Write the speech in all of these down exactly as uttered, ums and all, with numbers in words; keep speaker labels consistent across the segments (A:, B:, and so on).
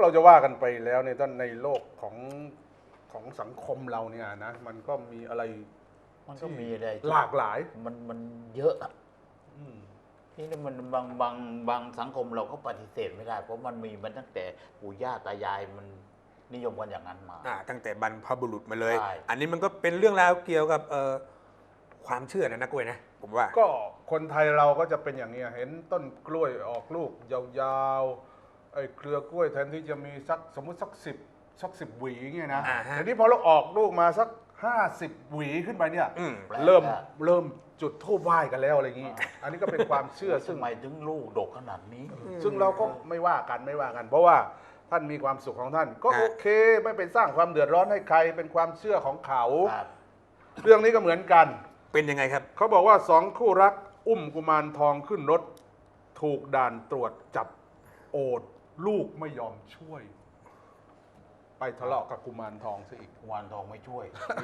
A: เราจะว่ากันไปแล้วในตอนในโลกของของสังคมเราเนี่ยนะมันก็มีอะไร
B: มันก็มีอะไรที่
A: หลากหลาย
B: มันมันเยอะอะ
A: อืม
B: ที่นี่มันบางบางบางสังคมเราก็ปฏิเสธไม่ได้ เพราะมันมีมันตั้งแต่ปู่ย่าตายายมันนิยมกันอย่างนั้นมา
C: อ่าตั้งแต่บรรพบุรุษมาเลย
B: ใช่
C: อันนี้มันก็เป็นเรื่องราวเกี่ยวกับเอ่อความเชื่อนะนะกล้วยนะผมว่า
A: ก็คนไทยเราก็จะเป็นอย่างนี้เห็นต้นกล้วยออกลูกยาวๆไอ้เครือกล้วยแทนที่จะมีสักสมมุติสักสิบสักสิบหวีเงี้ยนะ
C: อ่าฮะ
A: แต่นี่พอเราออกลูกมาสักห้าสิบหวีขึ้นไปเนี่ย
C: อืม
B: แปลก
A: เริ่ม
B: อะ
A: เริ่มจุดธูปไหว้กันแล้วอะไรอย่างนี้ อันนี้ก็เป็นความเชื่อซึ่ง
B: ทำไมถึงลูกดกขนาดนี้
A: ซึ่งเราก็ไม่ว่ากันไม่ว่ากัน เพราะว่าท่านมีความสุขของท่าน ก็
C: ฮะ
A: โอเคไม่ไปสร้างความเดือดร้อนให้ใครเป็นความเชื่อของเขา
B: ครับ
A: เรื่องนี้ก็เหมือนกัน
C: เป็นยังไงครับ
A: เขาบอกว่าสองคู่รักอุ้มกุมารทองขึ้นรถ ถูกด่านตรวจจับโอด ลูกไม่ยอมช่วย ไปทะเลาะกับกุมารทองซะอีก
B: วานทองไม่ช่วย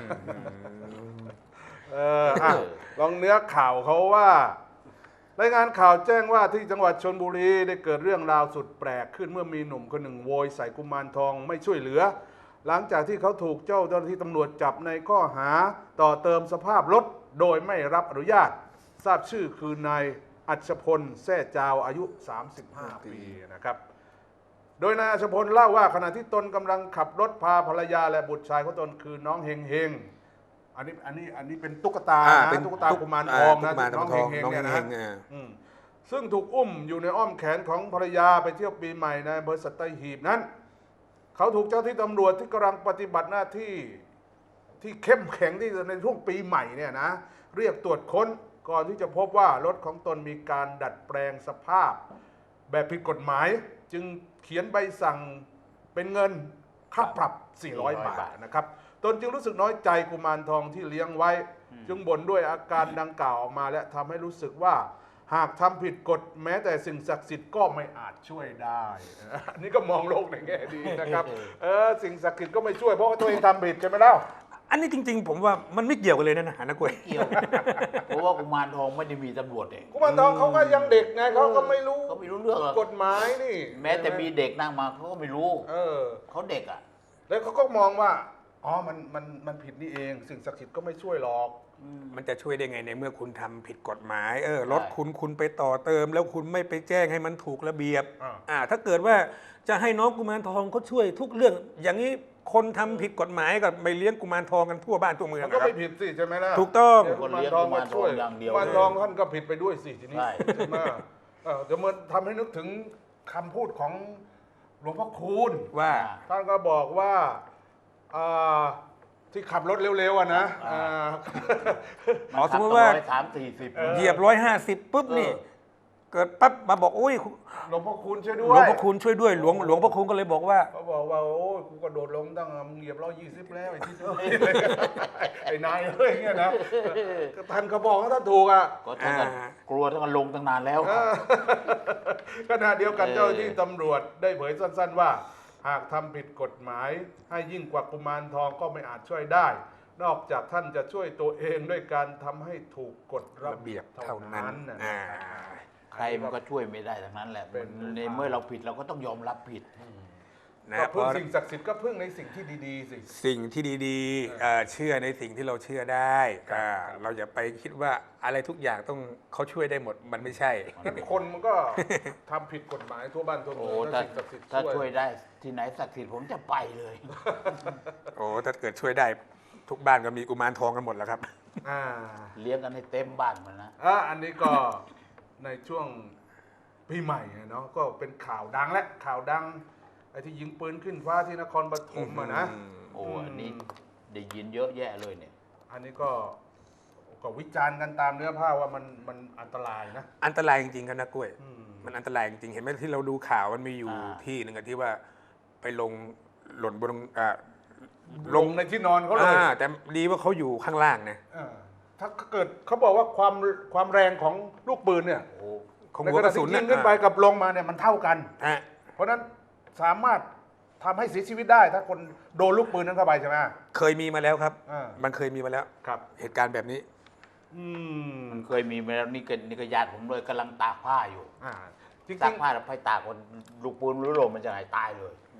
A: เอออ่ะลองเนื้อข่าวเขาว่า รายงานข่าวแจ้งว่าที่จังหวัดชลบุรีได้เกิดเรื่องราวสุดแปลกขึ้นเมื่อมีหนุ่มคนหนึ่งโวยใส่กุมารทองไม่ช่วยเหลือ หลังจากที่เขาถูกเจ้าหน้าที่ตำรวจจับในข้อหาต่อเติมสภาพรถโดยไม่รับอนุญาต ทราบชื่อคือนายอัชพลแซ่จาวอายุ สามสิบห้า ปีนะครับ โดยนายอัชพลเล่าว่าขณะที่ตนกำลังขับรถพาภรรยาและบุตรชายของตนคือน้องเฮงเฮงอันนี้อันนี้อันนี้เป็นตุ๊กตา
C: อ่า
A: นะ
C: เป็น
A: ตุ๊กตากุมารทองนะ
C: ตุ๊กตา
A: น้อง
C: กุ
A: เฮ
C: มาร
A: งเฮง
C: ทอง
A: เนี่ยนะ
C: น้องเฮงเฮงอ่า
A: อืมซึ่งถูกอุ้มอยู่ในอ้อมแขนของภรรยาไปเที่ยวปีใหม่ในอำเภอสัตหีบนั้น เขาถูกเจ้าที่ตำรวจที่กำลังปฏิบัติหน้าที่ที่เข้มแข็งที่ในช่วงปีใหม่เนี่ยนะเรียกตรวจค้นก่อนที่จะพบว่ารถของตนมีการดัดแปลงสภาพ แบบผิดกฎหมาย จึงเขียนใบสั่งเป็นเงินค่าปรับ สี่ร้อย บาทนะครับตนจึงรู้สึกน้อยใจกุมารทองที่เลี้ยงไว้ จึงบ่นด้วยอาการดังกล่าวออกมา และทำให้รู้สึกว่าหากทำผิดกฎแม้แต่สิ่งศักดิ์สิทธิ์ก็ไม่อาจช่วยได้อันนี้ก็มองโลกในแง่ดีนะครับเออสิ่งศักดิ์สิทธิ์ก็ไม่ช่วยเพราะว่าตัวเองทำผิดใช่ไหมเล่า
C: อันนี้จริง ๆ ผมว่ามันไม่เกี่ยวกันเลยนะนะนะกล้วย
B: เกี่ยว เพราะว่ากุมารทองไม่ได้มีตำรวจเอง
A: กุมารทองเขาก็ยังเด็กไงเขาก็ไม่รู้
B: เขาไม่รู้เรื่องหรอก
A: กฎหมายนี่
B: แม้แต่มีเด็กนั่งมาเขาก็ไม่รู้
A: เออ
B: เขาเด็กอ่ะ
A: แล้วเขาก็มองว่าอ๋อมันมันมันผิดนี่เองสิ่งศักดิ์สิทธิ์ก็ไม่ช่วยหรอก
C: มันจะช่วยได้ไงในเมื่อคุณทำผิดกฎหมายเออ
B: ใช่
C: รถคุณคุณไปต่อเติม แล้วคุณไม่ไปแจ้งให้มันถูกระเบียบ
A: อ่า
C: อ่าถ้าเกิดว่าจะให้น้องกุมารทองเขาช่วยทุกเรื่อง อย่างนี้คนทำผิดกฎหมายกับไม่เลี้ยงกุมารทองกันทั่วบ้านทั่วเมือง
A: มัน
C: อะ
A: ก็
C: ครั
A: ไม่
C: บ
A: ผิดสิใช่ไหมล่ะ
C: ถูกต้อง
A: เดี๋ยวกุมารทองมาช่วย
B: กุมารทองอย่างเดียว
A: กุมารทองท่านก็ผิดไปด้วยสิทีนี้
B: ใช่
A: ใช่ไหมเออเดี๋ยวมันทำให้นึกถึงคำพูดของหลวงพ่อคูณ
C: ว่า
A: ท่านก็บอกว่าอ่าที่ขับรถเร็วๆอ่ะนะอ่า
C: อ๋อสมมติว่า
B: ร้อยสามสี่สิบ
C: เหยียบร้อยห้าสิบปุ๊บนี่
A: เออ
C: เกิดปั๊บมาบอกอุ้ย
A: หลวงพ่อคูณช่วยด้
C: ห
A: ว
C: ลวง
A: ย
C: พ่อคุณช่วยด้วยหลวงหลวงพ่อคุณก็เลยบอกว่า
A: เขาบอกว่าโอ้ยกูกระโดดลงตั้งมึงเหยียบร้อยยี่สิบแล้วไอ้ที่ช่วย ไอ้นายเอ้ยเงี้ยนะก็ท่านก็บอกว่าท่านถูกอ่ะ
B: ก็ท่านก็
C: อ่า
B: กลัวท่านก็ลงตั้งนานแล้ว
A: ขณะเดียวกัน
B: เออ
A: เจ้าหน้าที่ตำรวจได้เผยสั้นๆว่า หากทำผิดกฎหมาย ให้ยิ่งกว่ากุมารทองก็ไม่อาจช่วยได้ นอกจากท่านจะช่วยตัวเองด้วยการทำให้ถูกกฎระ
C: ระเบี
A: เบี
C: ย
A: ย
C: บบ เท่า
A: เท่า
C: นั้
A: นั้น นนะ
C: อ่า
B: ใครมันก็ช่วยไม่ได้ทั้งนั้นแหละ
A: เป็น
B: ในเมื่อเราผิดเราก็ต้องยอมรับผิด
C: นะ
A: ก็
C: เพ
A: พึ่ง
C: ราะ
A: สิ่งศักดิ์สิทธิ์ก็พึ่งในสิ่งที่ดีๆสิ
C: สิ่งที่ดีๆเอ่อเชื่อในสิ่งที่เราเชื่อได้อ่าเราอย่าไปคิดว่าอะไรทุกอย่างต้องเขาช่วยได้หมดมันไม่ใช่
A: คนมันก็ ทำผิดกฎหมายทั่วบ้านทั่ว
B: โอ้
A: เมือง
B: ถ้า
A: ถ้าสิ่งศักดิ์สิทธิ์
B: ถ้า
A: ช่
B: ช่
A: ว
B: วย ยได้ที่ไหนศักดิ์สิทธิ์ผมจะไปเลย
C: โอ้ถ้าเกิดช่วยได้ทุกบ้านก็มีกุมารทองกันหมดแล้วครับ
A: อ่า
B: เลี้ยงกันให้เต็มบ้านมันนะ
A: อ่ะอันนี้ก็ ในช่วงปีใหม่อะเนาะก็เป็นข่าวดังและข่าวดังไอ้ที่ยิงปืนขึ้นฟ้าที่นครปฐมอะนะ
B: โอ้อันนี้ได้ยินเยอะแยะเลยเนี่ย
A: อันนี้ก็ก็วิจารณ์กันตามเนื้อผ้าว่ามันมันอันตรายนะ
C: อันตรายจริงๆครับนะกล้วย
A: อืม
C: มันอันตรายจริงๆเห็นไหมที่เราดูข่าวมันมีอยู่
B: อ่า
C: ที่หนึ่งอะที่ว่าไปลงหล่นบนอ่า
A: ลงในที่นอนเขาเลย
C: อ่าแต่ดีว่าเขาอยู่ข้างล่างนะ
A: เออถ้าเกิดเขาบอกว่าความความแรงของลูกปืนเนี่ย
B: โอ้
C: ของ
A: ใน
C: หัว
A: ข
C: ก
A: ณะ
C: ระสุ
A: ที่
C: น
A: ยิงขึ้นไปกับลงมาเนี่ยมันเท่ากัน
C: อ่ะ
A: เพราะฉะนั้นสามารถทำให้เสียชีวิตได้ ถ้าคนโดนลูกปืนนั้นเข้าไปใช่ไหม
C: เคยมีมาแล้วครับ
A: อ่า
C: มันเคยมีมาแล้ว
A: ครับ
C: เหตุการณ์แบบนี้
A: อืม
B: มันเคยมีมาแล้วนี่ก็นี่ก็ญาติผมเลยกำลังตากผ้าอยู่
A: อ่าจริง
B: ตากผ้าแล้วไปตากคนลูกปืนรู้ลมมันจะหายตายเลย
A: ๆอื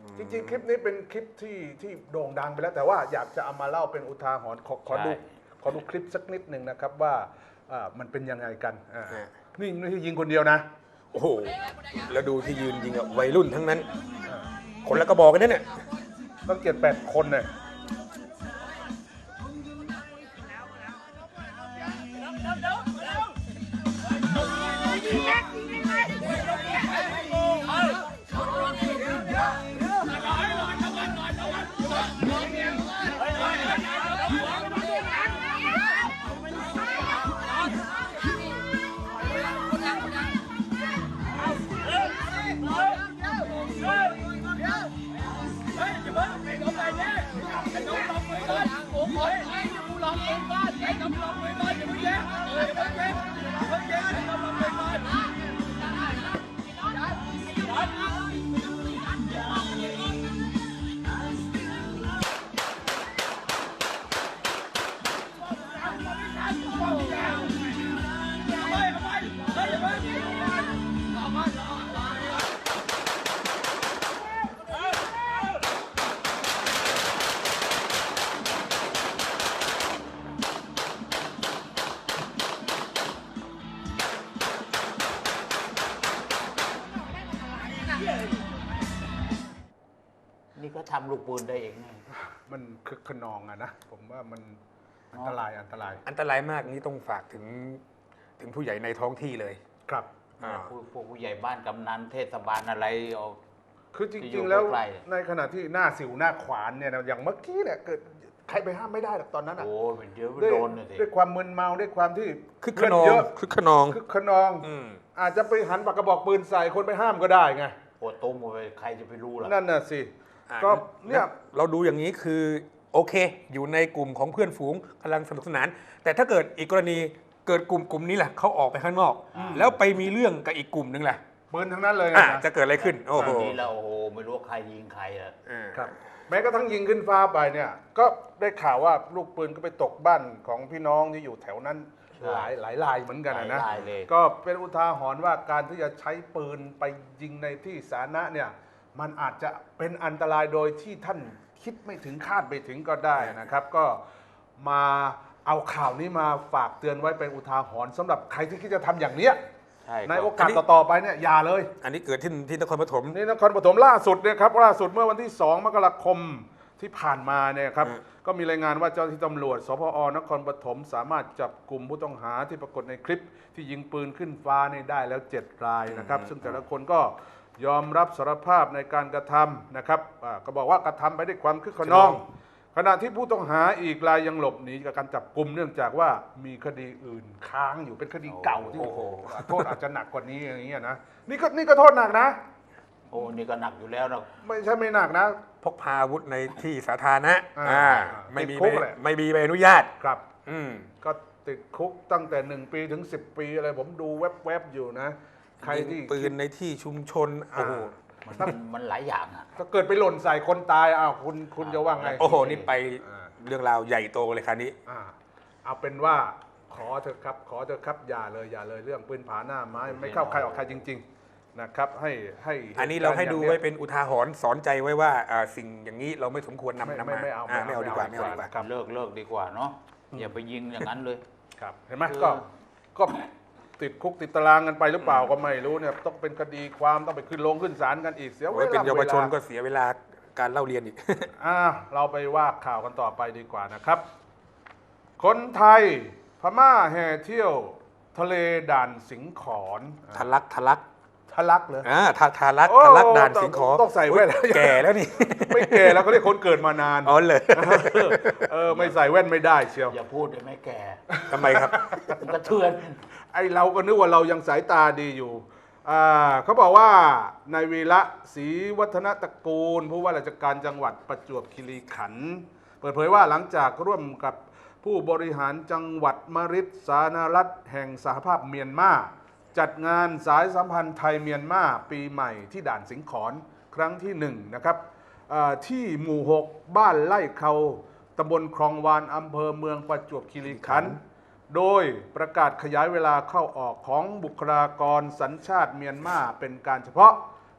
A: จริงๆ คลิปนี้เป็นคลิปที่ที่โด่งดังไปแล้ว แต่ว่าอยากจะเอามาเล่าเป็นอุทาหรณ์ขอขอดู
B: ใช่
A: ขอดูคลิปสักนิดหนึ่งนะครับว่าอ่ามันเป็นยังไงกันอ่า
C: อ่า
A: นี่ไม่ใช่ยิงคนเดียวนะ
C: โอ้โหแล้วดูที่ยืนยิงอะวัยรุ่นทั้งนั้น คนละกระบอกกันนั่นเนี่ย
A: ต้องเจ็ดแปดคนเนี่ย
B: นี่ก็ทำลูกปืนได้เองไง
A: มันคึกขนองอะนะ ผมว่ามันอันตรายอันตราย
C: อันตรายมากนี่ต้องฝากถึงถึงผู้ใหญ่ในท้องที่เลย
A: ครับ
C: อ่า
B: ผู้พวกผู้ใหญ่บ้านกำนันเทศบาลอะไรเอา
A: คือจ
B: ที่อยู่
A: ริงๆ แล้ว
B: ใกล้
A: ในขณะที่หน้าสิวหน้าขวานเนี่ยนะอย่างเมื่อกี้เนี่ยเกิดใครไปห้ามไม่ได้หรอกตอนนั้นอ่ะ
B: โอ้ยเดี๋ยว
A: ด้วย
B: โดนน่ะสิ
A: ด้วยความมึนเมาด้วยความที่
C: คึกข
A: เลือด
C: นอง
A: เยอะ
C: คึกขนอง
A: คึกขนอง
C: อืม
A: อาจจะไปหันปากกระบอกปืนใส่คนไปห้ามก็ได้ไง
B: ปวดตุ้มไปใครจะไปรู้ล่ะ
A: นั่นน่ะสิ
C: อ่า
A: ก็เนี่ย
C: เราดูอย่างนี้คือโอเค อยู่ในกลุ่มของเพื่อนฝูงกำลังสนุกสนาน แต่ถ้าเกิดอีกกรณีเกิดกลุ่มกลุ่มนี้แหละเขาออกไปข้างนอก แล้วไปมีเรื่องกับอีกกลุ่มนึงแหละ
A: ปืนทั้งนั้นเลย
C: อ่ะ
A: นะ
C: จะเกิดอะไรขึ้น โอ้โห
B: นี่เราโอ้โหไม่รู้ว่าใครยิงใครอ่ะ
C: อ่า
A: ครับ แม้กระทั่งยิงขึ้นฟ้าไปเนี่ย ก็ได้ข่าวว่าลูกปืนก็ไปตกบ้านของพี่น้องที่อยู่แถวนั้น
B: ใช่
A: หลายหลายรายเหมือนกันอะนะ
B: หลายรายเลย
A: ก็เป็นอุทาหรณ์ว่าการที่จะใช้ปืนไปยิงในที่สาธารณะเนี่ย มันอาจจะเป็นอันตรายโดยที่ท่านคิดไม่ถึงคาดไม่ถึงก็ได้นะครับ ก็มาเอาข่าวนี้มาฝากเตือนไว้เป็นอุทาหรณ์สำหรับใครที่คิดจะทำอย่างเนี้ย
B: ใช่
A: ในโอกาสต่อๆไปเนี่ยอย่าเลย
C: อันนี้เกิดที่ที่นครปฐม
A: นี่นครปฐมล่าสุดเนี่ยครับล่าสุดเมื่อวันที่ สอง มกราคมที่ผ่านมาเนี่ยครับ
C: อืม
A: ก็มีรายงานว่าเจ้าหน้าที่ตำรวจสพอนครปฐมสามารถจับกลุ่มผู้ต้องหาที่ปรากฏในคลิป ที่ยิงปืนขึ้นฟ้านี่ได้แล้วเจ็ดรายนะครับ ซึ่งแต่ละคนก็ยอมรับสารภาพในการกระทำนะครับอ่าก็บอกว่ากระทำไปด้วยความคึกขนอง ขณะที่ผู้ต้องหาอีกรายยังหลบหนีจากการจับกลุ่มเนื่องจากว่ามีคดีอื่นค้างอยู่เป็นคดีเก่าที่โอ้โหโทษอาจจะหนักกว่านี้อย่างเงี้ยนะนี่ก็นี่ก็โทษหนักนะ
B: โอ้นี่ก็หนักอยู่แล้วนะ
A: ไม่ใช่ไม่หนักนะ
C: พกพาอาวุธในที่สาธารณะ
A: อ่า
C: อ่า
A: อ่า
C: ไม่มี
A: ติดคุก
C: ใบ
A: แหละ
C: ไม่มีใบอนุญาต
A: ครับ
C: อืม
A: ก็ติดคุกตั้งแต่หนึ่งปีถึงสิบปีอะไรผมดูแวบๆอยู่นะ ใครที่
C: ยิงปืนในที่ชุมชน โอ้
A: อ่า
C: โห
B: มันมันหลายอย่างอ่ะ
A: ถ้าเกิดไปหล่นใส่คนตายอ้าวคุณคุณจะว่าไง
C: โอ้โห นี่ไป
A: อ่า
C: เรื่องราวใหญ่โตเลยคราวนี้
A: อ่าเอาเป็นว่าขอเถอะครับ ขอเถอะครับอย่าเลยอย่าเลยเรื่องปืนผาหน้าไม้ไม่เข้าใครออกใครจริง ๆนะครับ ให้ให้
C: อันนี้เราให้ดู
A: ตุก
C: ไว้
A: ย่งนี้ย
C: เป็นอุทาหรณ์สอนใจไว้ว่าอ่าสิ่งอย่างนี้เราไม่สมควรนำ
A: ไม่
C: นำ
A: ไม่
C: มา
A: ไม่เอา
C: อ่า
A: ไม่
C: ไม่
A: เอา
C: เอาดีกว่า
A: ไม่
C: ไม่
A: เอา
C: เอาดีกว่า
A: ครับ
B: เลิกเลิกดีกว่าเนาะอย่าไปยิงอย่างนั้นเลย
A: ครับเห็นไหม
B: คือ
A: ก็ก็ติดคุกติดตารางกันไปหรือเปล่าก็ไม่รู้เนี่ยต้องเป็นคดีความต้องไปขึ้นลงขึ้นศาลกันอีกเสียเว
C: โอ้ย
A: ลา
C: เป็นเยาวชน
A: วล
C: ก็เสียเวลาการเล่าเรียนอีก
A: อ่าเราไปว่าข่าวกันต่อไปดีกว่านะครับ คนไทยพม่าแห่เที่ยวทะเลด่านสิงขอน
C: ทะลักทะลัก
A: ทะลักเลย
C: อ่าทาทาลัก
A: โอ้
C: ทะลักด่านสิงขอ
A: ต้องใส่แว่น
C: อุ๊ยแก่แล้วนี่
A: ไม่แก่แล้วเขาเรียกคนเกิดมานาน
C: อ๋อเลย
A: เออไม่ใส่แว่นไม่ได้เชียว
B: อย่าพูดเลยไม่แก่
C: ทำไมครับ
B: มันกระเทือน
A: ไอเราก็นึกว่าเรายังสายตาดีอยู่อ่าเขาบอกว่านายวีระศรีวัฒนตระกูลผู้ว่าราชการจังหวัดประจวบคีรีขันธ์เปิดเผยว่าหลังจากร่วมกับผู้บริหารจังหวัดมฤตสาธารณรัฐแห่งสหภาพเมียนมาจัดงานสายสัมพันธ์ไทยเมียนมาปีใหม่ที่ด่านสิงขอนครั้งที่หนึ่งนะครับอ่าที่หมู่หกบ้านไร่เขาตำบลคลองวานอำเภอเมืองประจวบคีรีขันธ์ โดยประกาศขยายเวลาเข้าออกของบุคลากรสัญชาติเมียนมาเป็นการเฉพาะ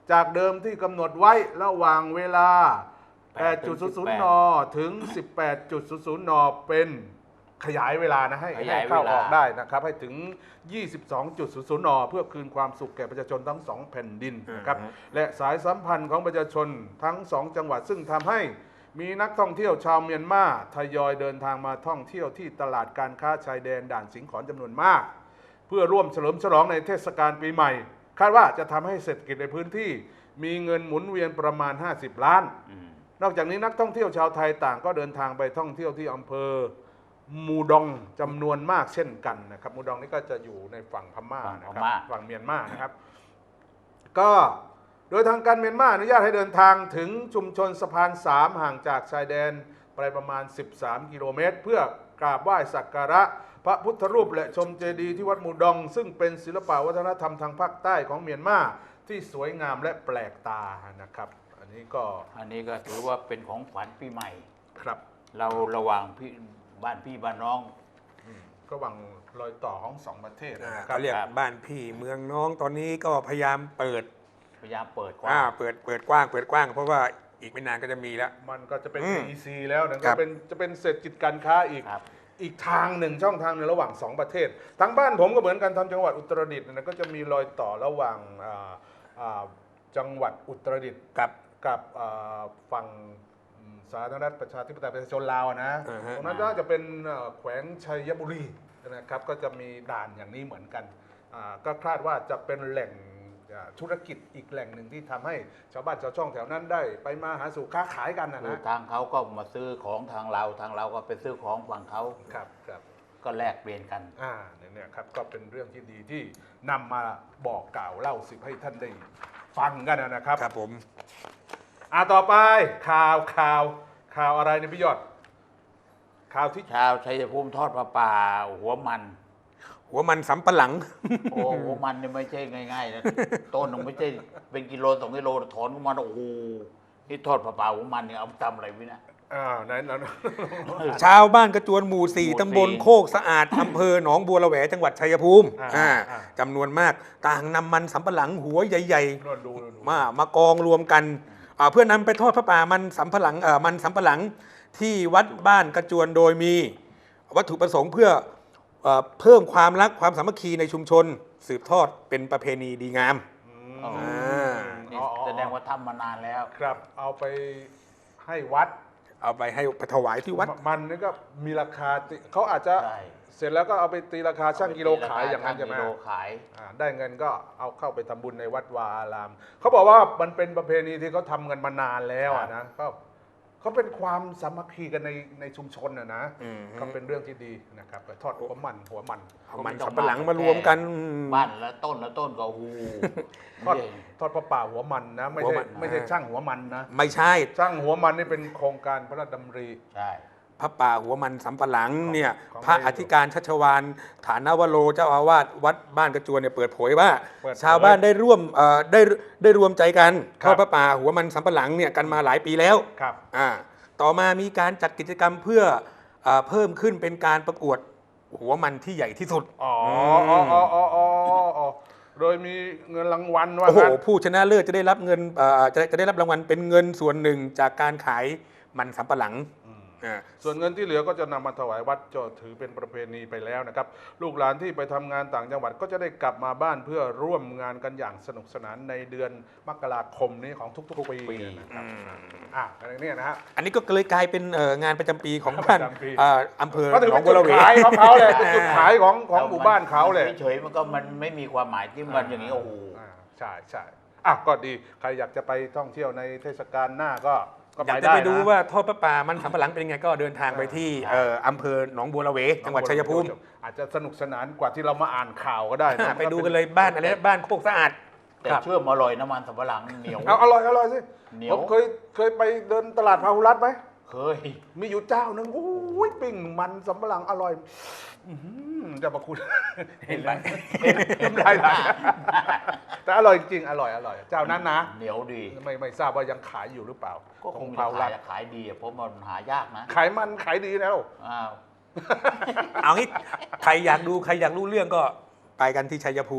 A: จากเดิมที่กำหนดไว้ระหว่างเวลา แปดจุดศูนย์ศูนย์ น ถึง สิบแปดจุดศูนย์ศูนย์ น เป็นขยายเวลานะให้
B: ข
A: ให้
B: ยายเวลา
A: เข้าออกได้นะครับ ให้ถึง ยี่สิบสองจุดศูนย์ศูนย์ น เพื่อคืนความสุขแก่ประชาชนทั้งสองแผ่นดินนะครับ
C: อือฮะ
A: และสายสัมพันธ์ของประชาชนทั้งสองจังหวัดซึ่งทำให้มีนักท่องเที่ยวชาวเมียนมาทยอยเดินทางมาท่องเที่ยวที่ตลาดการค้าชายแดนด่านสิงขอนจำนวนมาก เพื่อร่วมเฉลิมฉลองในเทศกาลปีใหม่ คาดว่าจะทำให้เศรษฐกิจในพื้นที่มีเงินหมุนเวียนประมาณ ห้าสิบ ล้าน
B: อืม
A: นอกจากนี้นักท่องเที่ยวชาวไทยต่างก็เดินทางไปท่องเที่ยวที่อำเภอมูดองจำนวนมากเช่นกันนะครับมูดองนี่ก็จะอยู่ในฝั่งพม่านะครับฝั่งเมียนมานะครับ ก็โดยทางการเมียนมาอนุญาตให้เดินทางถึงชุมชนสะพานสามห่างจากชายแดนไปประมาณ สิบสาม กิโลเมตร เพื่อกราบไหว้สักการะพระพุทธรูปและชมเจดีย์ที่วัดมูดอง ซึ่งเป็นศิลปวัฒนธรรมทางภาคใต้ของเมียนมาที่สวยงามและแปลกตานะครับ อันนี้ก็
B: อันนี้ก็ถือว่าเป็นของขวัญปีใหม่
A: ครับ
B: เราระหว่างพี่บ้านพี่บ้านน้อง
A: อืมก็หวังรอยต่อของสองประเทศ
C: อ่า
A: นะครั
C: เขา
A: บ
C: เรียก
B: ครับ
C: บ้านพี่เมืองน้องตอนนี้ก็พยายามเปิด
B: พยายามเปิดกว้า
C: อ่าง เปิดเปิดกว้างเปิดกว้าง เพราะว่าอีกไม่นานก็จะมีแล้ว
A: มันก็จะเป็น
C: อืม
A: อี ซี แล้วนะ
C: ค
A: ก็
C: รับ
A: เป็นจะเป็นเศรษฐกิจการค้าอีก
B: ครับ
A: อีกทางหนึ่งช่องทางหนึ่งระหว่างสองประเทศทางบ้านผมก็เหมือนกันทำจังหวัดอุตรดิตถ์นะก็จะมีรอยต่อระหว่างอ่าอ่าจังหวัดอุตรดิตถ์
C: กับ
A: กับอ่าฝั่งสาธารณรัฐประชาธิปไตยประชาชนลาวนะ
C: อ่าฮะ
A: ตรงนั้นก็จะเป็นเอ่อแขวงชัยบุรีนะครับก็จะมีด่านอย่างนี้เหมือนกันอ่าก็คาดว่าจะเป็นแหล่งอ่าธุรกิจอีกแหล่งหนึ่งที่ทำให้ชาวบ้านชาวช่องแถวนั้นได้ ไปมาหาสู่ค้าขายกันนะ
B: คือ
A: นะ
B: ทางเขาก็มาซื้อของทางเราทางเราก็ไปซื้อของฝั่งเขา
A: ครับครับ
B: ก็แลกเปลี่ยนกัน
A: อ่าเนี่ยครับก็เป็นเรื่องที่ดีที่นำมาบอกกล่าวเล่าสิบให้ท่านได้ฟังกันนะครับ
C: ครับผม
A: อ่าต่อไปข่าวข่าวข่าวอะไรเนี่ยพี่ยอด ข่าวที่
B: ชาวชัยภูมิทอดปลาป่าหัวมัน
C: หัวมันสำปะหลัง
B: โอ้หัวมันเนี่ยไม่ใช่ง่ายๆนะต้นหนึ่งไม่ใช่เป็นกิโลสองกิโลถอนออกมาโอ้โหนี่ทอดปลาป่าหัวมันเนี่ยเอาทำอะไรไว้นะ
A: อ่าไหนนั้น
C: ชาวบ้านกระจวนหมู่สี่
B: หมู่สี่
C: ตำบลโคกสะอาด อำเภอหนองบัวระแวจังหวัดชัยภูมิ
A: อ่า
C: อ่า
A: อ่า
C: จำนวนมากต่างนำมันสำปะหลังหัวใหญ่
A: นวดดูนวดดู
C: ๆ มามากองรวมกันอ่าเพื่อนำไปทอดพระป่ามันสำปะหลังเอ่อมันสำปะหลังที่วัดบ้านกระจวนโดยมีวัตถุประสงค์เพื่อเอ่อเพิ่มความรักความสามัคคีในชุมชน สืบทอดเป็นประเพณีดีงาม
A: อืม
B: อ๋อ นี่
A: อ๋ออ๋อ
B: แสดงว่าทำมานานแล้ว
A: ครับเอาไปให้วัด
C: เอาไปให้ไปถวายที่วัด
A: มันนี่ก็มีราคาติเขาอาจจะ
B: ใช่
A: เสร็จแล้วก็เอาไปตีราคาช่างกิโลขายอย่างนั้นใช่ไหม
B: ช่งกิโลขาย
A: อ่าได้เงินก็เอาเข้าไปทำบุญในวัดวาอาราม เขาบอกว่ามันเป็นประเพณีที่เขาทำกันมานานแล้วอะนะก็เขาเป็นความสามัคคีกันในในชุมชนนะนะ
C: อืม
A: ก็เป็นเรื่องที่ดีนะครับไปทอดหัวมันหัวมัน
C: เอามันสำปะหลังมารวมกัน
B: บ้านละต้นละต้นก็โอ้โห
A: ทอดทอดพระป่าหัวมันนะไม่
C: หัว
A: ใช่
C: มัน
A: ไม่ใช่ช่างหัวมันนะ
C: ไม่ใช่
A: ช่างหัวมันนี่เป็นโครงการพระราชดำริ
B: ใช่
C: พระป่าหัวมันสำปะหลังเนี่ย
A: ของ
C: พระ
A: ในหลวง
C: อธิการชัชวานฐานวโรเจ้าอาวาสวัดบ้านกระจวนเนี่ยเปิดเผยว่า
A: เปิดเผย
C: ชาวบ้านได้ร่วมเอ่อได้ได้รวมใจกัน
A: ค
C: ท
A: รับ
C: อดพระป่าหัวมันสำปะหลังเนี่ยกันมาหลายปีแล้ว
A: ครับ
C: อ่าต่อมามีการจัดกิจกรรมเพื่อเอ่อเพิ่มขึ้นเป็นการประกวดหัวมันที่ใหญ่ที่สุด
A: อ๋ออ๋ออ๋ออ๋ออ๋ออ๋อโดยมีเงินรางวัลว่า
C: โอ้โห
A: งั้น
C: ผู้ชนะเลิศจะได้รับเงินเอ่อจะจะได้รับรางวัลเป็นเงินส่วนหนึ่งจากการขายมันสำปะหลัง
A: อืม
C: อ่า
A: ส่วนเงินที่เหลือก็จะนำมาถวายวัดจะถือเป็นประเพณีไปแล้วนะครับ ลูกหลานที่ไปทำงานต่างจังหวัดก็จะได้กลับมาบ้านเพื่อร่วมงานกันอย่างสนุกสนานในเดือนมกราคมนี้ของทุกๆปีนะครับอ่ะอะไรเนี่ยนะฮะ
C: อันนี้ก็เลยกลายเป็นเอ่องานประจำปีของบ้าน
A: ประจำปี
C: เอ่ออำเภอ
A: ก็ถือ
C: หนอ
A: เป็
C: ง
A: น
C: บัว
A: จุด
C: ระเว
A: ขายของเขาเลยเป็นจุดขายของของหมู่บ้านเขาเลย
B: เฉยๆมันก็มันไม่มีความหมายที่มันอย่างนี้โอ้โห
A: อ่าใช่ใช่อ่ะก็ดีใครอยากจะไปท่องเที่ยวในเทศกาลหน้าก็ก็
C: อยา
A: ไป
C: กจะ
A: ได้
C: ไปดู
A: นะ
C: ว่าทอดพระป่ามันสำปะหลังเป็นยังไงก็เดินทางไปที่
B: ใช่
C: เอ่ออำเภอหนองบัวระเวจังหวัดชัยภูมิ
A: อาจจะสนุกสนานกว่าที่เรามาอ่านข่าวก็ได้นะ
C: ไปดูกันเลยบ้านอะไรนะบ้านโคกสะอาด
B: แต่
C: ครับ
B: เชื่อมอร่อยน้ำมันสำปะหลังเหนียว
A: เอาอร่อยอร่อยสิ
B: เหนีย
A: ผ
B: ว
A: มเคยเคยไปเดินตลาดพาหุรัตน์ไหม
B: เคย
A: มีอยู่เจ้าหนึ่งโอ้ยปิ้งมันสำปะหลังอร่อยอื้อหือเจะมาคุณ
B: เห็นไหม
A: น้ำลายไหลแต่อร่อยจริงๆอร่อยอร่อยเจ้านั้นนะ
B: เหนียวดี
A: ไม่ไม่ทราบว่ายังขายอยู่หรือเปล่า
B: ก็คง
A: พา
B: จะ
A: หุ
B: ขา
A: รั
B: ย
A: ตน์
B: ขายดีอะเพราะมันหายากนะ
A: ขายมันขายดีแล้ว
B: อ้าว
C: เอางี้ใครอยากดูใครอยากรู้เรื่องก็ไปกันที่ชัยภูมิ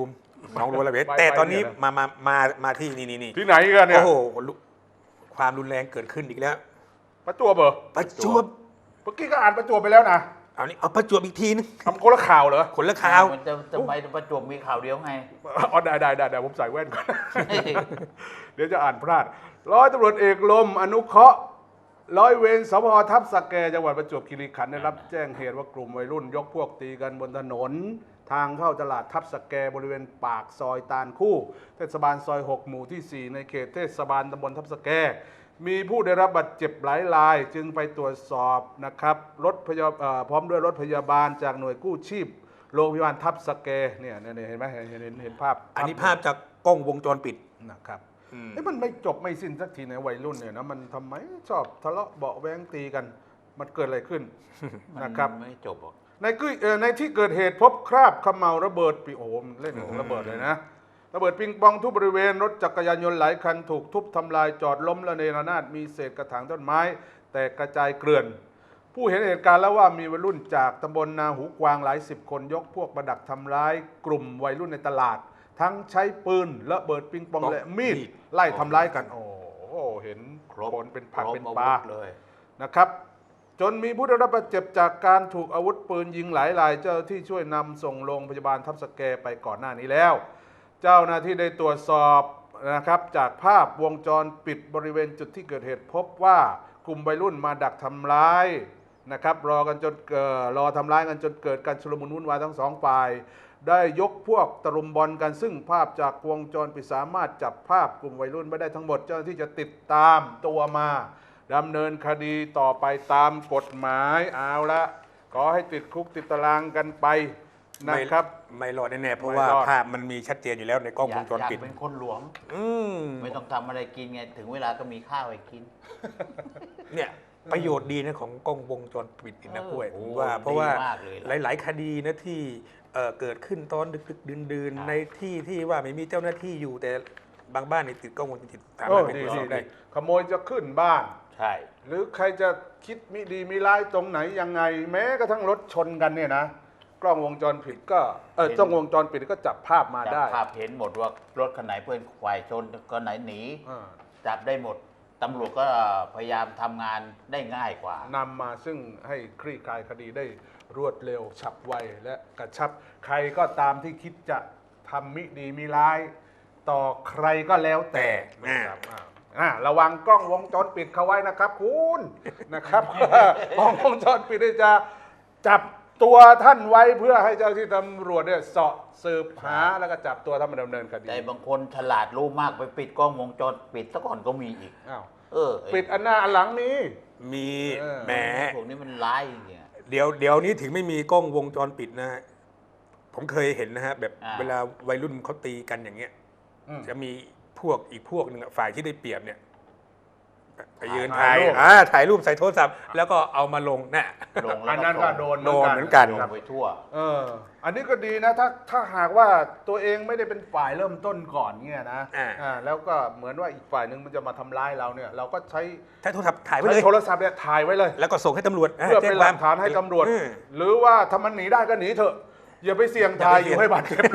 C: หนองบัวระเว
A: ไป
C: แต่ตอนนี้
A: ไปเนี่ยนะ
C: มามามามาที่นี่นี่นี่
A: ที่ไหนกันเนี่ย
C: โอ้โหลุความรุนแรงเกิดขึ้นอีกแล้ว
A: ประจวบเหรอ
C: ประจวบ
A: เมื่อกี้ก็อ่านประจวบไปแล้วนะ
C: เอานี่เอาประจวบอีกทีนึง
A: ทำคนละข่าวเหรอ
C: คนละข่าว
B: มันจะทำไมประจวบมีข่าวเดียวไง
A: อ๋อได้ได้ได้ได้ผมใส่แว่นก่อน เดี๋ยวจะอ่านพลาดร้อยตำรวจเอกลมอนุเคราะห์ร้อยเวรสพทับสแกจังหวัดประจวบคีรีขันธ์ได้รับแจ้งเหตุว่ากลุ่มวัยรุ่นยกพวกตีกันบนถนน ทางเข้าตลาดทับสแกบริเวณปากซอยตาลคู่ เทศบาลซอยหกหมู่ที่สี่ในเขตเทศบาลตำบลทับสแกมีผู้ได้รับบาดเจ็บหลายราย จึงไปตรวจสอบนะครับรถพยาเอ่อพร้อมด้วยรถพยาบาลจากหน่วยกู้ชีพโรงพยาบาลทับสแกเนี่ยเนี่ยเห็นไหมเห็นเห็นเห็นเห็นภาพ
C: อันนี้ภาพจากกล้องวงจรปิด
A: นะครับ
C: อืม
A: เอ้มันไม่จบไม่สิ้นสักทีในวัยรุ่นเนี่ยนะมันทำไมชอบทะเลาะเบาะแว้งตีกัน มันเกิดอะไรขึ้น นะครับ
B: ไม่จบหรอก
A: ในกุ้ยเอ่อในที่เกิดเหตุพบคราบเขม่าวระเบิดปิโอ้โหมันเล่นของระเบิดเลยนะระเบิดปิงปองทุกบริเวณรถจักรยานยนต์หลายคันถูกทุบทำลายจอดล้มระเนระนาดมีเศษกระถางต้นไม้ แตกกระจายเกลื่อน ผู้เห็นเหตุการณ์แล้วว่ามีวัยรุ่นจากตำบลนาหูกวางหลายสิบคนยกพวกประดักทำร้ายกลุ่มวัยรุ่นในตลาด ทั้งใช้ปืนระเบิดปิงปองและมีดไล่ทำร้ายกัน โอ้โหเห็น
B: ครบ
A: คนเป็นผัก
B: ครบ
A: เป็น
B: อา
A: ป
B: วุ
A: ลา
B: ธเลย
A: นะครับ จนมีผู้ได้รับบาดเจ็บจากการถูกอาวุธปืนยิงหลายราย เจ้าหน้าที่ช่วยนำส่งโรงพยาบาลทับสแกไปก่อนหน้านี้แล้ว เจ้าหน้าที่ได้ตรวจสอบนะครับจากภาพวงจรปิดบริเวณจุดที่เกิดเหตุพบว่ากลุ่มวัยรุ่นมาดักทำร้ายนะครับรอกันจนเกิดรอทำร้ายกันจนเกิดการชุลมุนวุ่นวายทั้งสองฝ่าย ได้ยกพวกตะลุมบอลกันซึ่งภาพจากวงจรปิดสามารถจับภาพกลุ่มวัยรุ่นไม่ได้ทั้งหมด เจ้าหน้าที่จะติดตามตัวมาดำเนินคดีต่อไปตามกฎหมายเอาละขอให้ติดคุกติดตารางกันไปนะครับ
C: ไม่ไม่รอดแน่ๆเพราะ
A: ไม่
C: ว่าร
A: อด
C: ภาพมันมีชัดเจนอยู่แล้วในกล้อง
B: อ
C: วย
B: าง ก
C: จร
B: อยาก
C: ปิด
B: เป็นคนหลวง
C: อืม
B: ไม่ต้องทำอะไรกินไง ถึงเวลาก็มีข้าวให้กิน
C: เนี่ยประโยชน์ดีนะของกล้องวงจรปิดนี่นะ
B: เออ
C: กล้วย
B: โอ้
C: ผมว่าเพราะว่า
B: ดีมากเลยล่ะ
C: หลาย ๆ คดีนะที่เอ่อเกิดขึ้นตอนดึกๆดื่น
B: ครับ
C: ๆในที่ที่ว่าไม่มีเจ้าหน้าที่อยู่แต่บางบ้านนี่ติดกล้องวงจรปิดสา
A: เอ
C: มารถ
A: อ
C: ไป
A: ดี
C: ตรวจส
A: ดี
C: อบได้
A: ดีขโมยจะขึ้นบ้าน
B: ใช่
A: หรือใครจะคิดมิดีมีร้ายตรงไหนยังไง แม้กระทั่งรถชนกันเนี่ยนะ กล้องวงจรปิดก็เออกล้องวงจรปิดก็จับภาพมา
B: จับ
A: ได้
B: ภาพเห็นหมดว่ารถคันไหนเพื่อนฝ่ายชนก็ไหนหนี
A: อ่า
B: จับได้หมด ตำรวจก็พยายามทำงานได้ง่ายกว่า
A: นำมาซึ่งให้คลี่คลายคดีได้รวดเร็วฉับไวและกระชับ ใครก็ตามที่คิดจะทำมิดีมีร้าย ต่อใครก็แล้วแต่
C: อ่า
A: นะครับอ่าอ่าระวังกล้องวงจรปิดเขาไว้นะครับคุณนะครับ กล้องวงจรปิดเนี่ยจะจับตัวท่านไว้เพื่อให้เจ้าที่ตำรวจเนี่ยเสาะสืบหาแล้วก็จับตัวท่านมาดำเนินคดี
B: แต่บางคนฉลาดรู้มากไปปิดกล้องวงจรปิดซะก่อนก็มีอีก
A: อ้าว
B: เออไ
A: ปิดอันหน้าอันหลังนี้
C: มี
A: เออ
C: แหม
B: พวกนี้มันร้ายจริงๆอะ
C: เดี๋ยวเดี๋ยวนี้ถึงไม่มีกล้องวงจรปิดนะฮะผมเคยเห็นนะฮะแบบ
B: อ่า
C: เวลาวัยรุ่นเขาตีกันอย่างเงี้ย
A: อืม
C: จะมีพวกอีกพวกหนึ่งอะฝ่ายที่ได้เปรียบเนี่ยไปยืน
A: ถ่า
C: ถ่าย ย
A: รูป
C: อ่าถ่ายรูปใส่โทรศัพท์ แล้วก็เอามาลงน่ะ
B: ลง
A: อั
B: แล้ว
A: นนั้นก็โดน
C: โดนเหมือนกัน
B: ลงไปทั่ว
A: เออ อันนี้ก็ดีนะ ถ้าถ้าหากว่าตัวเองไม่ได้เป็นฝ่ายเริ่มต้นก่อนเนี่ยนะ
C: อ่า
A: อ่าแล้วก็เหมือนว่าอีกฝ่ายหนึ่งมันจะมาทำร้ายเราเนี่ย เราก็ใช้
C: ใช้โทรศัพท์ถ่ายไว้
A: ใช้
C: เลย
A: โทรศัพท์เนี่ยถ่ายไว้เลย
C: แล้วก็ส่งให้ตำรวจ
A: เพื่อเป็นหลักฐานให้ตำรวจ
C: อืม
A: หรือว่าถ้ามันหนีได้ก็หนีเถอะ อย่าไปเสี่ยงถ่าย
C: อย่าไปเสี่
A: อย
C: ง
A: ยู่ให้บาดเจ็บ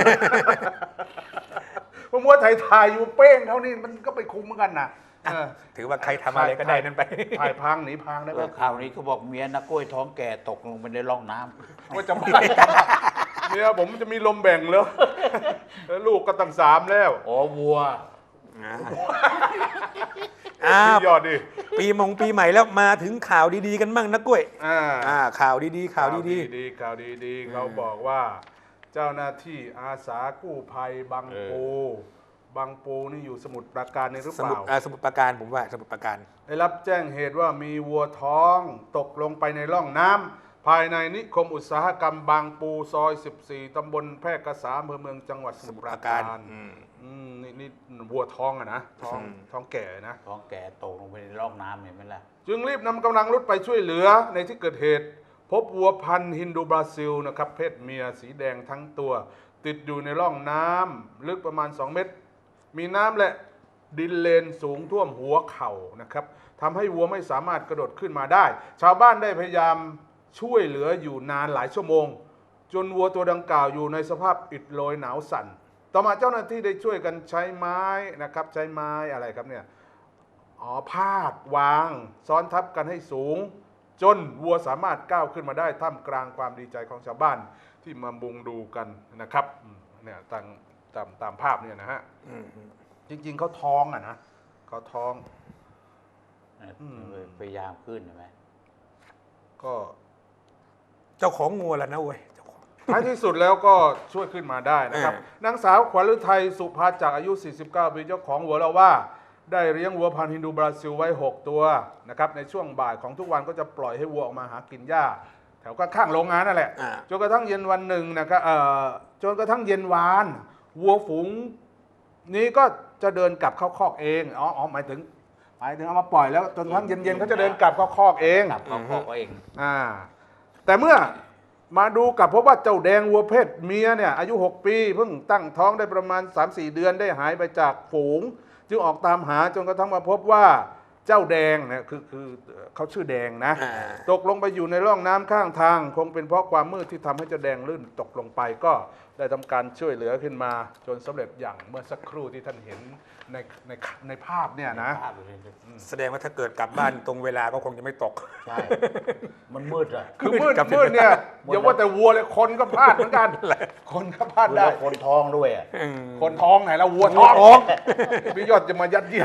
A: เพราะมัวถ่ายถ่ายอยู่เป้งเท่านี้มันก็ไปคุ้มเหมือนกันนะเออ
C: ถือว่าใครทำอะไรก็ได้นั่นไป
A: ถ่ายพังหนีพังได้
B: เอ
A: ไหม
B: อข่าวนี้เขาบอกเมียนักกล้วยท้องแก่ตกลงไปในร่องน้ำ
A: ว่าจะไม่เนี่ยผมจะมีลมแบ่งเลยแล้วลูกก็ตั้งสามแล้ว
B: อ๋อวัว
C: อ้าว
A: พี่ยอดดิ
C: ปีมงปีใหม่แล้วมาถึงข่าวดีๆกันบ้างนะกล้วย
A: อ่า
C: อ่าข่าวดีๆข่าวดี
A: ดีข่าวดีๆเขาบอกว่า เจ้าหน้าที่อาสากู้ภัยบางปูบางปูนี่อยู่สมุทรปราการนี่หรือ
C: ๆ
A: เป
C: สมุท
A: ล่า
C: รอ่าสมุทรปราการผมว่าสมุทรปราการ
A: ได้รับแจ้งเหตุว่ามีวัวท้องตกลงไปในร่องน้ำภายในนิคมอุตสาหกรรมบางปูซอย สิบสี่ ตำบลแพร่กษาอำเภอเมืองจังหวัดสมุทรปราการ
C: อืม
A: อืมนี่นี่วัวท้องอะนะท้อง
C: อืม
A: ท้องแก่นะ
B: ท้องแก่ตกลงไปในร่องน้ำเห็นไหมล่ะ
A: จึงรีบนำกำลังรุดไปช่วยเหลือในที่เกิดเหตุ พบวัวพันธุ์ฮินดูบราซิลนะครับเพศเมียสีแดงทั้งตัว ติดอยู่ในร่องน้ำลึกประมาณ สอง เมตร มีน้ำและดินเลนสูงท่วมหัวเข่านะครับทำให้วัวไม่สามารถกระโดดขึ้นมาได้ ชาวบ้านได้พยายามช่วยเหลืออยู่นานหลายชั่วโมง จนวัวตัวดังกล่าวอยู่ในสภาพอิดโรยหนาวสั่นต่อมาเจ้าหน้าที่ได้ช่วยกันใช้ไม้นะครับใช้ไม้อะไรครับเนี่ยอ๋อพาดวางซ้อนทับกันให้สูง จนวัวสามารถก้าวขึ้นมาได้ท่ามกลางความดีใจของชาวบ้านที่มามุงดูกันนะครับอืมเนี่ยตามตามตามภาพเนี่ยนะฮะ
C: อืม
A: จริงๆเขาท้องอ่ะนะเขาท้อง อืม
B: พยายามขึ้นใช่ไหม
A: ก็
C: เจ้าของงัวแหละนะเว้ยเจ้าของ
A: ท้ายที่สุดแล้วก็ช่วยขึ้นมาได้นะครับ
C: เออ
A: นางสาวขวัญฤทัยสุภาจากอายุ สี่สิบเก้า ปีเจ้าของวัวเล่าว่า ได้เลี้ยงวัวพันธุ์ฮินดูบราซิลไว้ หก ตัวนะครับในช่วงบ่ายของทุกวันก็จะปล่อยให้วัวออกมาหากินหญ้า แถวข้างๆโรงงานนั่นแหละ
C: อ่า
A: จนกระทั่งเย็นวันหนึ่งนะครับเอ่อจนกระทั่งเย็นวาน วัวฝูงนี้ก็จะเดินกลับเข้าคอกเองอ๋ออ๋อหมายถึงหมายถึงเอามาปล่อยแล้วจนกระทั่งเย็นๆเขาจะเดินกลับเข้าคอกเอง
B: กลับเขาคอกเอง
A: อ่าแต่เมื่อมาดูกลับพบว่าเจ้าแดงวัวเพศเมียเนี่ยอายุ หก ปีเพิ่งตั้งท้องได้ประมาณ สามสี่ เดือนได้หายไปจากฝูง จึงออกตามหาจนกระทั่งมาพบว่าเจ้าแดงเนี่ยคือคือเขาชื่อแดงนะ
C: อ่า
A: ตกลงไปอยู่ในร่องน้ำข้างทาง คงเป็นเพราะความมืดที่ทำให้เจ้าแดงลื่นตกลงไปก็ได้ทำการช่วยเหลือขึ้นมา จนสำเร็จอย่างเมื่อสักครู่ที่ท่านเห็นในในในภาพเนี่ยนะ
B: ภาพเลย
C: แสดงว่าถ้าเกิดกลับบ้านตรงเวลาก็คงจะไม่ตก
B: ใช่ มันมืดอะ
A: คือมืด
C: กลับ
A: มืดเนี่ย
B: หมดแล้ว
A: อย่าว่าแต่วัวเลยคนก็พลาดเหมือนกัน คนก็พลาด
B: ได้
A: ได้
B: คนท้องด้วยอะ
C: อืม
A: คนท้องไหนแล้ววัวท้อง
C: ท้อง
A: พี่ยอดจะมายัดเยียด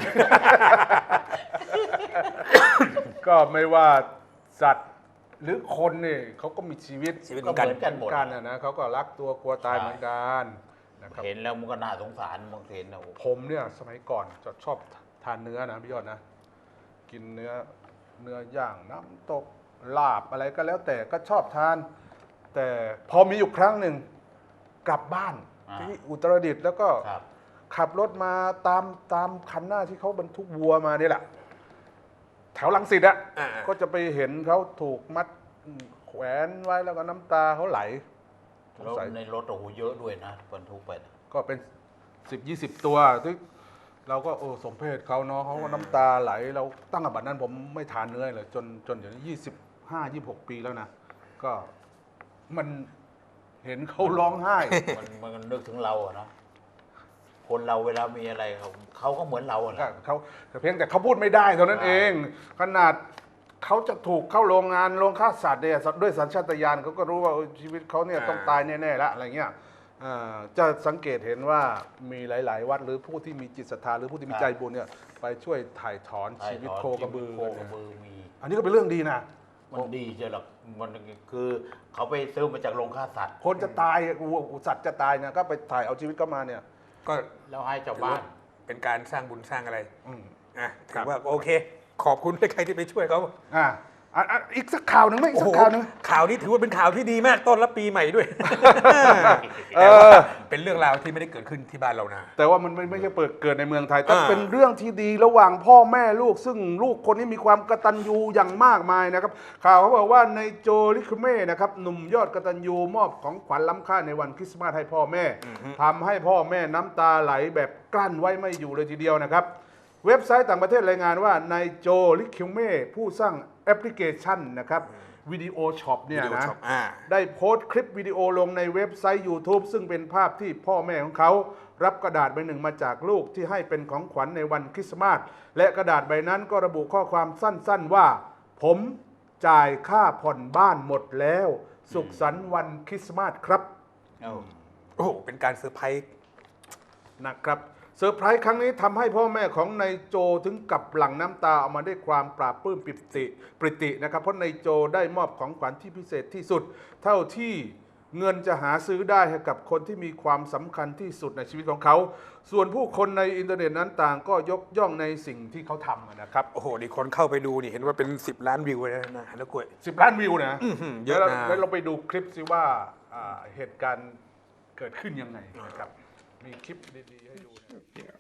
A: ก็ไม่ว่าสัตว์หรือคนนี่เขาก็มีชีวิต
C: ชีวิต
B: ก็
C: เหมือนกัน
B: เหมือนกันหมด
A: กันนะนะเขาก็รักตัวกลัวตายเหมือนกันนะครับ
B: เห็นแล้วมันก็น่าสงสารบางเห็นนะโอ้โห
A: ผมเนี่ยสมัยก่อนจะชอบทานเนื้อนะพี่ยอดนะ กินเนื้อเนื้อย่างน้ำตกลาบอะไรก็แล้วแต่ก็ชอบทาน แต่พอมีอยู่ครั้งหนึ่งกลับบ้านที่อุตรดิตถ์แล้วก็
B: ครับ
A: ขับรถมาตามตามคันหน้าที่เขาบรรทุกวัวมานี่แหละ แถวลังสิตอะ
C: อ่า
A: ก็จะไปเห็นเขาถูกมัดแขวนไว้แล้วก็น้ำตาเขาไหลสง
B: แล้ว
A: สัย
B: ในรถโอ้โหเยอะด้วยนะบรรทุกไปนะ
A: ก็เป็นสิบยี่สิบตัวที่เราก็โอ้สมเพศเขาเนาะเขาก็น้ำตาไหล เราตั้งแต่บัดนั้นผมไม่ทานเนื้อเลยจนจนเดี๋ยวนี้ยี่สิบห้ายี่หกปีแล้วนะ ก็มันเห็นเขาร้องไห้
B: มันมันก็นึกถึงเราอะเนาะคนเราเวลามีอะไรเขาเขาก็เหมือนเราอะ
A: ก็
B: นะ
A: เขาเพียงแต่เขาพูดไม่ได้เท่านั้นเอง ขนาดเขาจะถูกเข้าโรงงานโรงฆ่าสัตว์เนี่ยด้วยสัญชาตญาณเขาก็รู้ว่าเออชีวิตเขาเนี่ย
C: อ่า
A: ต้องตายแน่ๆแล้วอะไรเงี้ยอ่าจะสังเกตเห็นว่ามีหลาย ๆ วัดหรือผู้ที่มีจิตศรัทธาหรือผู้ที่มีใจบุญเนี่ยไปช่วยถ่ายถอนชีวิตโคกระบือ
B: โคกระบือมี
A: อันนี้ก็เป็นเรื่องดีนะ
B: มันดีเจ้าหรอกมันคือเขาไปซื้อมาจากโรงฆ่าสัตว์
A: คนจะตายวัวสัตว์จะตายเนี่ยก็ไปถ่ายเอาชีวิตเข้ามาเนี่ย
C: ก็
B: แล้วให้ชาวบ้าน
C: เป็นการสร้างบุญสร้างอะไร
A: อืม
C: อ่ะ
A: ครั
C: ถื
A: บ
C: อว่าโอเค ขอบคุณใครที่ไปช่วยเขา
A: อ่าอ่ะอ่ะอีกสักข่าวหนึ่งไหมอีกสักข่าวหนึ่ง
C: ข่าวนี้ถือว่าเป็นข่าวที่ดีมากต้อนรับปีใหม่ด้วย
A: เอ
C: แต่ว่า
A: อ
C: เป็นเรื่องราวที่ไม่ได้เกิดขึ้นที่บ้านเรานะ
A: แต่ว่ามันไม่ไม่ใช่เปิดเกิดในเมืองไทยแต่
C: อ่า
A: เป็นเรื่องที่ดีระหว่างพ่อแม่ลูก ซึ่งลูกคนนี้มีความกตัญญูอย่างมากมายนะครับ ข่าวเขาบอกว่าในโจลิคุเม่นะครับหนุ่มยอดกตัญญูมอบของขวัญล้ำค่าในวันคริสต์มาสให้พ่อแม่ทำให้พ่อแม่น้ำตาไหลแบบกลั้นไว้ไม่อยู่เลยทีเดียวนะครับ เว็บไซต์ต่างประเทศรายงานว่านายโจลิคิวเม่ผู้สร้างแอปพลิเคชันนะครับวิดีโอช็อปเนี่ย
C: วิดีโอ
A: นะ
C: ช็อปอ่า
A: ได้โพสต์คลิปวิดีโอลงในเว็บไซต์ YouTube ซึ่งเป็นภาพที่พ่อแม่ของเขารับกระดาษใบหนึ่งมาจากลูกที่ให้เป็นของขวัญในวันคริสต์มาสและกระดาษใบนั้นก็ระบุข้อความสั้นๆว่า ผมจ่ายค่าผ่อนบ้านหมดแล้ว สุขสันต์วันคริสต์มาสครับ
B: เอ้า
C: โอ้โหเป็นการเซอร์ไพรส์
A: นะครับเซอร์ไพรส์ครั้งนี้ทำให้พ่อแม่ของนายโจถึงกับหลั่งน้ำตาออกมาด้วยความปราบปลื้มปิติปริตินะครับเพราะนายโจได้มอบของขวัญที่พิเศษที่สุด เท่าที่เงินจะหาซื้อได้ให้กับคนที่มีความสำคัญที่สุดในชีวิตของเขา ส่วนผู้คนในอินเทอร์เน็ตนั้นต่างก็ยกย่องในสิ่งที่เขาทำนะครับ
C: โอ้โหนี่คนเข้าไปดูนี่เห็นว่าเป็นสิบล้านวิวเลยนะแล้วกล้วย
A: สิบล้านวิวนะ
C: อื้อหือเยอะ
A: แล้ว
C: นะ
A: แล้วเราไปดูคลิปซิว่าอ่าเหตุการณ์เกิดขึ้นยังไงนะครับมีคลิปดีๆให้ดูนะครับ
D: Yeah,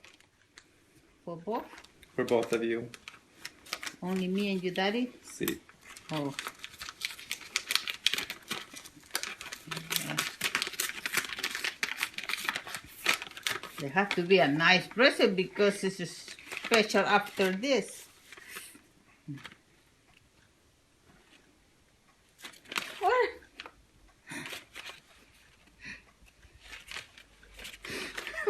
E: For both?
D: for both of you.
E: Only me and your daddy?
D: See.
E: Oh. They have to be a nice present because this is special after this. What?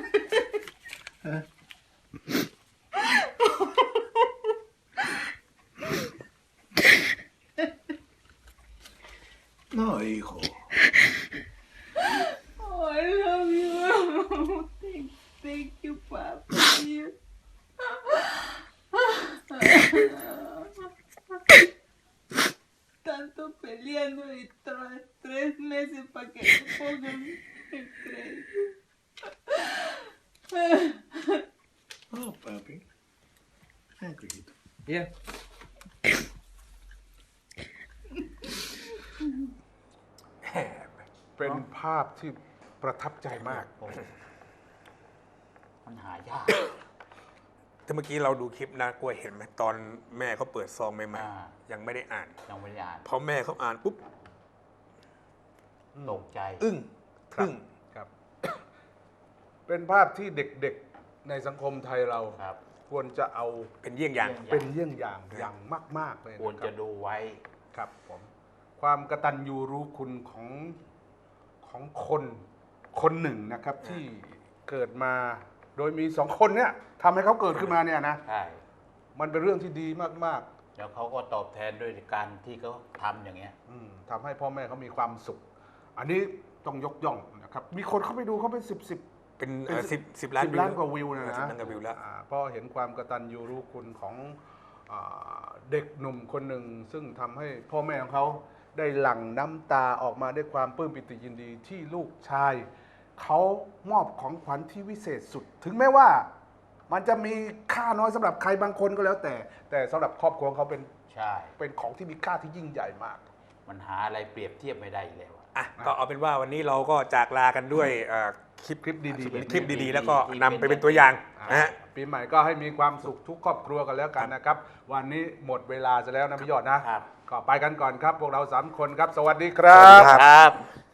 A: No, hijo.
E: Oh, I love you. Thank, thank you, Papa. You. Tanto peleando y tra- tres meses para que me pongan el crédito.
A: Oh, papi. Thank you.
C: Yeah.
A: เป็นภาพที่ประทับใจมาก
B: โอ้มันหายาก
C: แต่เมื่อกี้เราดูคลิปนะกล้วยเห็นไหมตอนแม่เขาเปิดซองใหม่
B: อ่า
C: ๆยังไม่ได้อ่าน
B: ยังไม่ได้อ่าน
C: พอแม่เขาอ่านปุ๊บ
B: ตกใจ
C: อึ้ง
A: ครับ
C: ทึ่ง
A: ครับ เป็นภาพที่เด็กๆในสังคมไทยเรา
B: ครับ
A: ควรจะเอา
C: เป็นเยี่ยงอย่าง
A: เป็นเยี่ยงอย่างอย่างมาก ๆ เลย
B: ควร
A: นะค
B: จะ
A: รับ
B: ดูไว้
A: ครับผมความกตัญญูรู้คุณของของคนคนหนึ่งนะครับ ที่เกิดมาโดยมีสองคนเนี่ยทำให้เขาเกิดขึ้นมาเนี่ยนะ
B: ใช่
A: มันเป็นเรื่องที่ดีมาก
B: แล้วเขาก็ตอบแทนด้วยการที่เขาทำอย่างเงี้ย
A: ๆอืมทำให้พ่อแม่เขามีความสุข อันนี้ต้องยกย่องนะครับ มีคนเข้าไปดูเขาเป็นสิบสิบ
C: เป็น
A: เป็น
C: สิบสิบล้าน
A: สิบล้านกว่าวิวนะ
C: สิบ
A: นะ
C: ล้านกว่าวิวแล้ว
A: อ่าเพราะเห็นความกตัญญูรู้คุณของอ่าเด็กหนุ่มคนหนึ่ง ซึ่งทำให้พ่อแม่ของเขาได้หลั่งน้ำตาออกมาด้วยความปลื้มปิติยินดีที่ลูกชาย เขามอบของขวัญที่วิเศษสุด ถึงแม้ว่ามันจะมีค่าน้อยสำหรับใครบางคนก็แล้วแต่ แต่สำหรับครอบครัวของเขาเป็น
B: ใช่
A: เป็นของที่มีค่าที่ยิ่งใหญ่มาก
B: มันหาอะไรเปรียบเทียบไม่ได้อีกแล้วอะ
C: อ่ะก็เอาเป็นว่าวันนี้เราก็จากลากันด้วยเอ่อคลิป
A: คลิปดีๆแบบนี้
C: คลิปดีๆ แล้วก็นำไปเป็นตัวอย่างนะฮะ
A: ปีใหม่ก็ให้มีความสุขทุกครอบครัวกันแล้วกันนะครับ วันนี้หมดเวลาจะแล้วนะพี่ยอดนะ
B: ครับ
A: ก็ไปกันก่อนครับ พวกเราสามคนครับ สวัสดีครับ
C: ครับ
B: ครับ